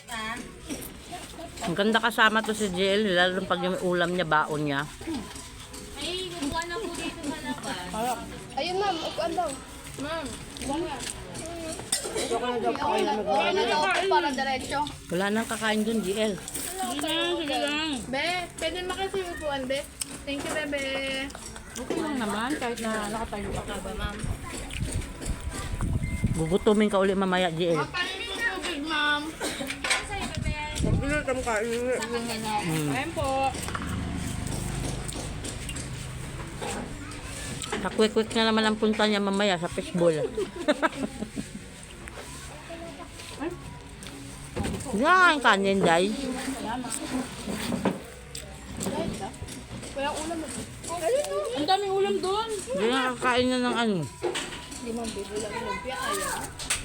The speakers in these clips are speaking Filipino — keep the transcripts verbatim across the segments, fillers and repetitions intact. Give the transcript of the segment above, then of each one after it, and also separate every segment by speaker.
Speaker 1: Ang ganda kasama to si J L, lalo pag yung ulam niya, baon niya.
Speaker 2: Ay, kukuha na po dito sa labas.
Speaker 3: Ayun ma'am, upuan daw. Ma'am, wala. Wala na daw ako para diretso.
Speaker 1: Wala nang kakain dun, J L.
Speaker 2: Sige lang, sige lang.
Speaker 3: Be, pwede makasi yung upuan, be. Thank you, bebe.
Speaker 2: Okay lang naman, kahit na nakatayo ka ba, ma'am.
Speaker 1: Gugutumin ka ulit mamaya, J L.
Speaker 3: Paano yung tubig, ma'am?
Speaker 1: Hmm.
Speaker 2: Ayan po.
Speaker 1: Sa quick-quick na naman ang punta niya mamaya sa fishbowl. Yan, kanin, Day.
Speaker 3: Walang ulam.
Speaker 2: Ang daming ulam doon.
Speaker 1: Hindi na kakain na ng ano.
Speaker 3: Hindi ma'am, bebe lang yung lumpia. Ayaw.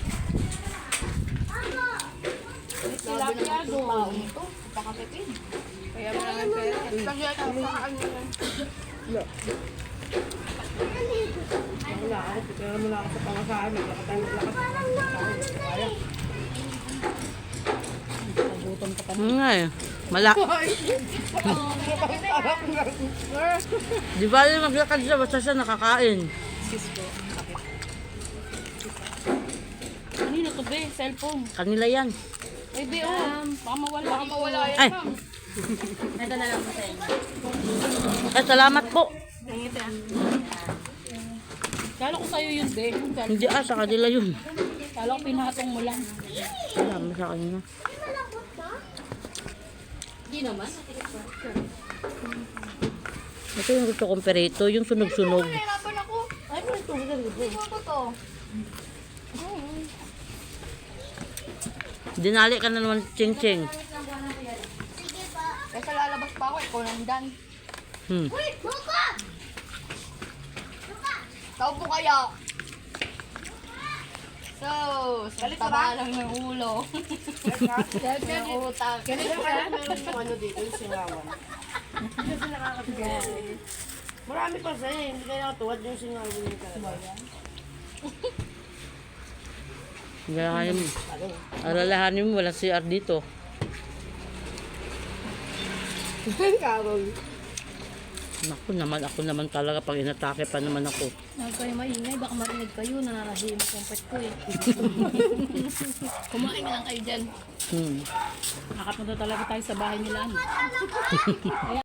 Speaker 2: Tilapia doon.
Speaker 3: Ito, pakatipid. Kaya maraming pera. Kasi ito, pakaan nyo lang.
Speaker 1: Hmm, nga eh. Malak. Di ba yung maglakad siya, basta siya nakakain.
Speaker 2: Kanina to be, cellphone.
Speaker 1: Kanila yan.
Speaker 2: Ay, be, oh. Baka mawala.
Speaker 3: Baka mawala yan,
Speaker 1: Ay.
Speaker 3: ma'am.
Speaker 2: Ito na lang po sa inyo.
Speaker 1: Eh, salamat po.
Speaker 2: Kala ko sa'yo yun, be. Yung cellphone.
Speaker 1: Hindi ah, sa kanila yun.
Speaker 2: Kala ko pinatong mo lang.
Speaker 1: Salamat sa kanila.
Speaker 2: Hindi naman.
Speaker 1: Ito yung gusto kong perito, yung sunog-sunog.
Speaker 3: Nahirapan ako.
Speaker 2: Ay, mo ito.
Speaker 3: Ano ko to?
Speaker 1: Dinali ka na naman, ching-ching.
Speaker 3: Kasi lalabas pa ako, ikaw nandan.
Speaker 1: Hmm.
Speaker 3: Tao po kaya. So, sa taba lang ng ulo. Ng utak.
Speaker 4: Ganito ka, meron yung ano dito, yung singawan. Hindi kasi nakakatigas. Marami pa sa'yo, hindi kaya nakatuwad yung singawan niya talaga.
Speaker 1: Alalahanin mo. Alalahanin mo, walang C R dito.
Speaker 4: Carol.
Speaker 1: Naku naman, ako naman talaga pag inatake pa naman ako.
Speaker 2: Huwag kayo maingay, baka marinig kayo, nananahimik yung pet ko eh. Kumain lang kayo dyan.
Speaker 1: Hmm.
Speaker 2: Nakapunta talaga tayo sa bahay nila. ano.